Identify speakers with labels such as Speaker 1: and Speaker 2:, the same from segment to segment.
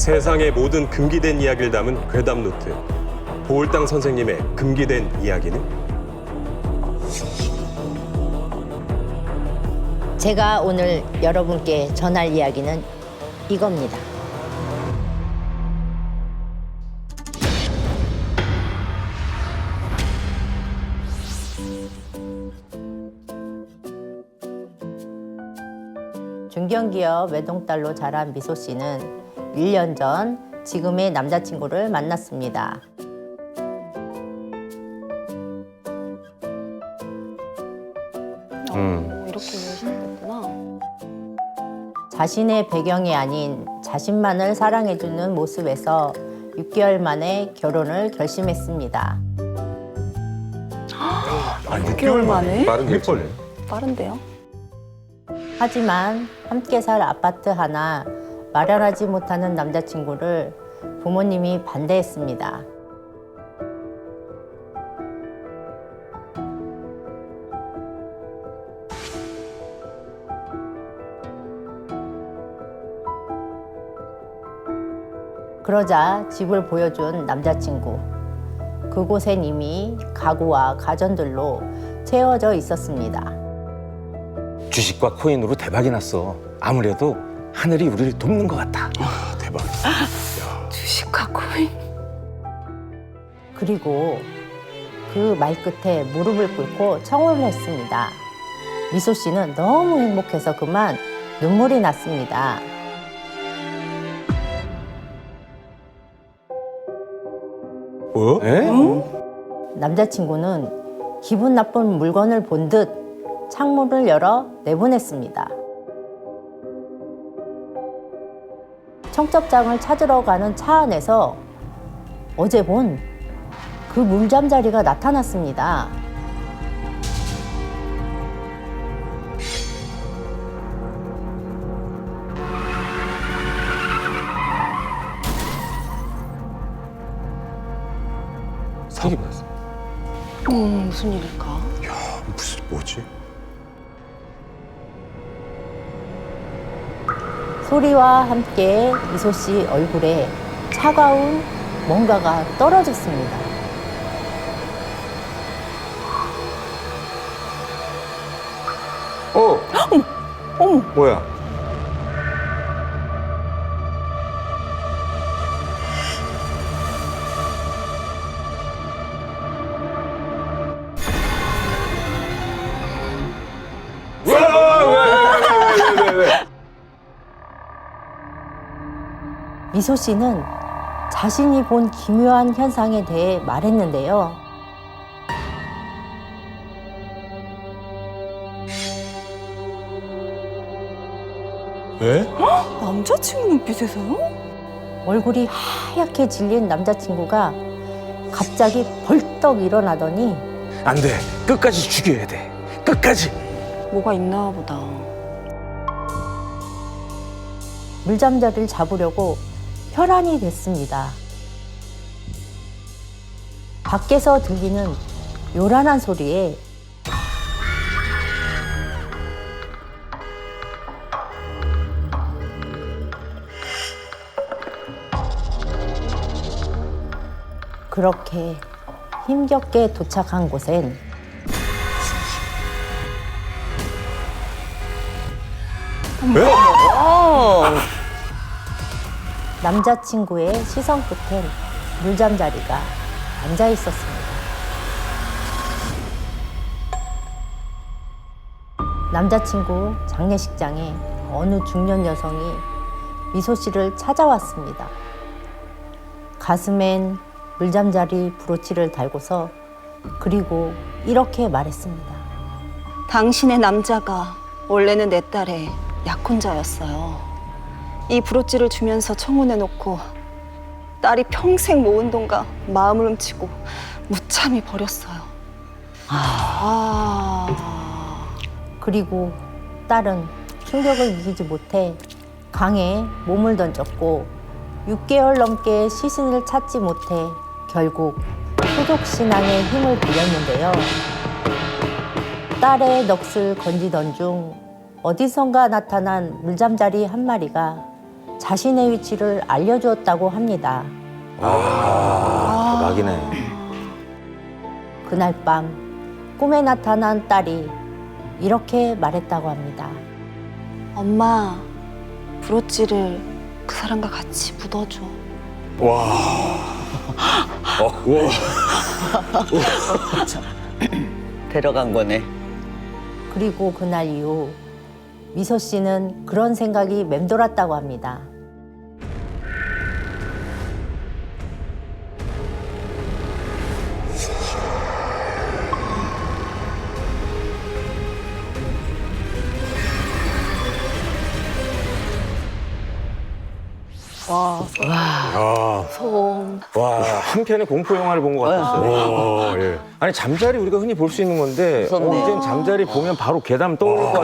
Speaker 1: 세상의 모든 금기된 이야기를 담은 괴담 노트. 보울당 선생님의 금기된 이야기는?
Speaker 2: 제가 오늘 여러분께 전할 이야기는 이겁니다. 중견기업 외동딸로 자란 미소 씨는 1년 전 지금의 남자친구를 만났습니다.
Speaker 3: 이렇게 시작됐구나.
Speaker 2: 자신의 배경이 아닌 자신만을 사랑해주는 모습에서 6개월 만에 결혼을 결심했습니다.
Speaker 3: 6개월 만에?
Speaker 1: 빠른 결정.
Speaker 3: 빠른데요?
Speaker 2: 하지만 함께 살 아파트 하나 마련하지 못하는 남자친구를 부모님이 반대했습니다. 그러자 집을 보여준 남자친구. 그곳엔 이미 가구와 가전들로 채워져 있었습니다.
Speaker 4: 주식과 코인으로 대박이 났어. 아무래도 하늘이 우리를 돕는 것 같아.
Speaker 1: 아, 대박.
Speaker 3: 주식과 코인.
Speaker 2: 그리고 그 말끝에 무릎을 꿇고 청혼을 했습니다. 미소 씨는 너무 행복해서 그만 눈물이 났습니다.
Speaker 1: 뭐?
Speaker 4: 에?
Speaker 2: 남자친구는 기분 나쁜 물건을 본 듯 창문을 열어 내보냈습니다. 청첩장을 찾으러 가는 차 안에서 어제 본 그 물잠자리가 나타났습니다.
Speaker 1: 사기 났어.
Speaker 3: 무슨 일일까?
Speaker 1: 무슨 뭐지?
Speaker 2: 소리와 함께 미소 씨 얼굴에 차가운 뭔가가 떨어졌습니다.
Speaker 4: 뭐야?
Speaker 2: 미소 씨는 자신이 본 기묘한 현상에 대해 말했는데요.
Speaker 1: 왜?
Speaker 3: 남자친구 눈빛에서요?
Speaker 2: 얼굴이 하얗게 질린 남자친구가 갑자기 벌떡 일어나더니
Speaker 4: 안 돼. 끝까지 죽여야 돼. 끝까지.
Speaker 3: 뭐가 있나 보다.
Speaker 2: 물잠자리를 잡으려고 혈안이 됐습니다. 밖에서 들리는 요란한 소리에 그렇게 힘겹게 도착한 곳엔 남자친구의 시선 끝엔 물잠자리가 앉아 있었습니다. 남자친구 장례식장에 어느 중년 여성이 미소 씨를 찾아왔습니다. 가슴엔 물잠자리 브로치를 달고서 그리고 이렇게 말했습니다.
Speaker 3: 당신의 남자가 원래는 내 딸의 약혼자였어요. 이 브로치를 주면서 청혼해놓고 딸이 평생 모은 돈과 마음을 훔치고 무참히 버렸어요.
Speaker 2: 그리고 딸은 충격을 이기지 못해 강에 몸을 던졌고 6개월 넘게 시신을 찾지 못해 결국 소속신앙의 힘을 빌렸는데요. 딸의 넋을 건지던 중 어디선가 나타난 물잠자리 한 마리가 자신의 위치를 알려주었다고 합니다.
Speaker 4: 대박이네.
Speaker 2: 그날 밤 꿈에 나타난 딸이 이렇게 말했다고 합니다.
Speaker 3: 엄마, 브로치를 그 사람과 같이 묻어줘.
Speaker 5: 데려간 거네.
Speaker 2: 그리고 그날 이후 미소 씨는 그런 생각이 맴돌았다고 합니다.
Speaker 3: 소음.
Speaker 4: 와, 한편의 공포 영화를 본 것 같았어요.
Speaker 1: 예.
Speaker 4: 아니 잠자리 우리가 흔히 볼 수 있는 건데
Speaker 5: 무섭네.
Speaker 4: 이젠 잠자리 보면 바로 괴담 떠오를 것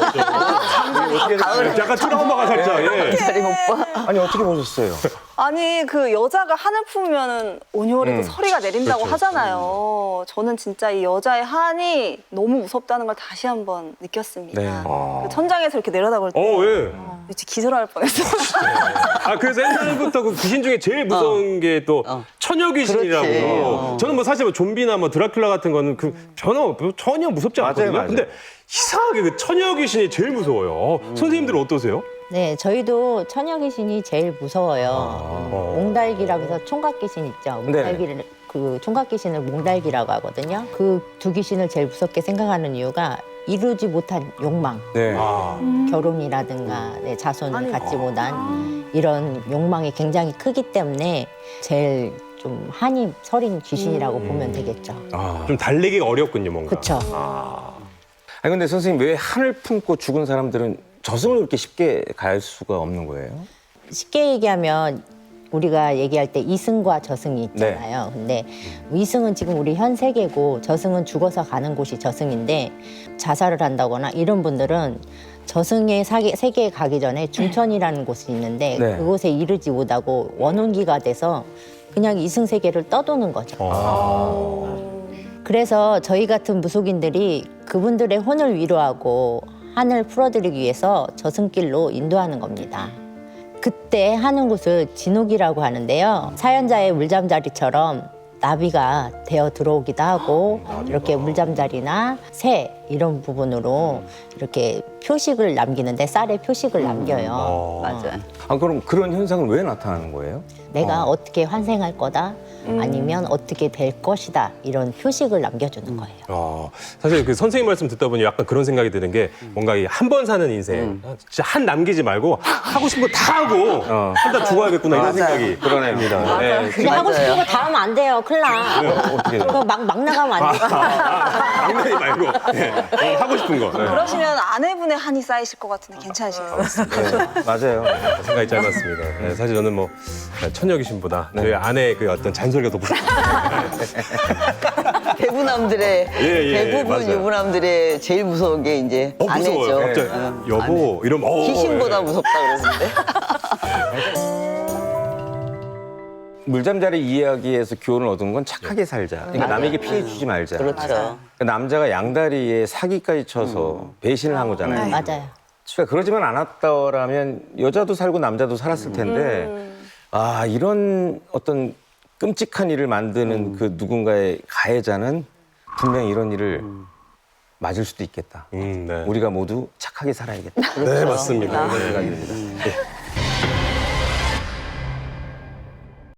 Speaker 4: 같아요.
Speaker 1: 약간 트라우마가 살짝. 예.
Speaker 5: 자리 못 봐.
Speaker 4: 아니 어떻게 보셨어요?
Speaker 3: 아니 그 여자가 한을 품으면은 온유월에도 서리가 내린다고
Speaker 1: 그렇죠.
Speaker 3: 하잖아요. 저는 진짜 이 여자의 한이 너무 무섭다는 걸 다시 한번 느꼈습니다.
Speaker 4: 네.
Speaker 3: 그 천장에서 이렇게 내려다볼 때
Speaker 1: 예.
Speaker 3: 진짜 기절할 뻔했어요.
Speaker 1: 아, 그래서 옛날부터 그 귀신 중에 제일 무서운 게 또 처녀 귀신이라고.
Speaker 5: 그렇지.
Speaker 1: 저는 뭐 사실 뭐 좀비나 뭐 드라큘라 같은 거는 그 전혀 무섭지 않거든요.
Speaker 4: 맞아요.
Speaker 1: 근데 이상하게 그 처녀 귀신이 제일 무서워요. 선생님들은 어떠세요?
Speaker 2: 네, 저희도 처녀 귀신이 제일 무서워요. 몽달기라고 해서 총각 귀신 있죠. 몽달기를 그 총각 귀신을 몽달기라고 하거든요. 그 두 귀신을 제일 무섭게 생각하는 이유가 이루지 못한 욕망,
Speaker 4: 네.
Speaker 2: 결혼이라든가 자손을 갖지 못한 이런 욕망이 굉장히 크기 때문에 제일 좀 한이 서린 귀신이라고 보면 되겠죠.
Speaker 1: 좀 달래기가 어렵군요, 뭔가.
Speaker 2: 그렇죠.
Speaker 4: 아니 근데 선생님 왜 한을 품고 죽은 사람들은 저승을 그렇게 쉽게 갈 수가 없는 거예요?
Speaker 2: 쉽게 얘기하면 우리가 얘기할 때 이승과 저승이 있잖아요. 근데 이승은 지금 우리 현 세계고 저승은 죽어서 가는 곳이 저승인데 자살을 한다거나 이런 분들은 저승의 세계에 가기 전에 중천이라는 곳이 있는데
Speaker 4: 네.
Speaker 2: 그곳에 이르지 못하고 원혼기가 돼서 그냥 이승 세계를 떠도는 거죠. 그래서 저희 같은 무속인들이 그분들의 혼을 위로하고 한을 풀어드리기 위해서 저승길로 인도하는 겁니다. 그때 하는 곳을 진옥이라고 하는데요. 사연자의 물잠자리처럼 나비가 되어 들어오기도 하고 이렇게 물잠자리나 새 이런 부분으로 이렇게 표식을 남기는데 쌀에 표식을 남겨요.
Speaker 5: 맞아.
Speaker 4: 아 그럼 그런 현상은 왜 나타나는 거예요?
Speaker 2: 내가 어떻게 환생할 거다 아니면 어떻게 될 것이다 이런 표식을 남겨주는 거예요.
Speaker 1: 사실 그 선생님 말씀 듣다 보니 약간 그런 생각이 드는 게 뭔가 이 한 번 사는 인생 진짜 한 남기지 말고 하고 싶은 거 다 하고 하다 죽어야겠구나 이런 생각이
Speaker 4: 그러네요.
Speaker 1: 네.
Speaker 2: 근데 하고 싶은 거 다 하면 안 돼요. 큰일 나.
Speaker 4: 어떻게
Speaker 2: 그거 막 나가면 안 돼요.
Speaker 1: 장난이 말고 네. 하고 싶은 거. 네.
Speaker 3: 그러시면 아내분의 한이 쌓이실 것 같은데 괜찮으시겠어요?
Speaker 4: 네, 맞아요.
Speaker 1: 생각이 짧았습니다. 네, 사실 저는 뭐 처녀 귀신보다 저희 아내의 그 어떤 잔소리가 더 무섭습니다.
Speaker 5: 대부남들의 대부분
Speaker 1: 맞아요.
Speaker 5: 유부남들의 제일 무서운 게 이제 아내죠.
Speaker 1: 무서워요. 갑자기 여보 이러면
Speaker 5: 귀신보다 무섭다 그러는데.
Speaker 4: 물잠자리 이야기에서 교훈을 얻은 건 착하게 살자. 그러니까 남에게 피해 주지 말자.
Speaker 5: 그렇죠.
Speaker 4: 그러니까 남자가 양다리에 사기까지 쳐서 배신을 한 거잖아요.
Speaker 2: 맞아요.
Speaker 4: 그러니까 그러지만 않았더라면 여자도 살고 남자도 살았을 텐데 아 이런 어떤 끔찍한 일을 만드는 그 누군가의 가해자는 분명히 이런 일을 맞을 수도 있겠다.
Speaker 1: 네.
Speaker 4: 우리가 모두 착하게 살아야겠다.
Speaker 1: 네, 맞습니다.
Speaker 4: 그런
Speaker 1: 네.
Speaker 4: 생각이 듭니다.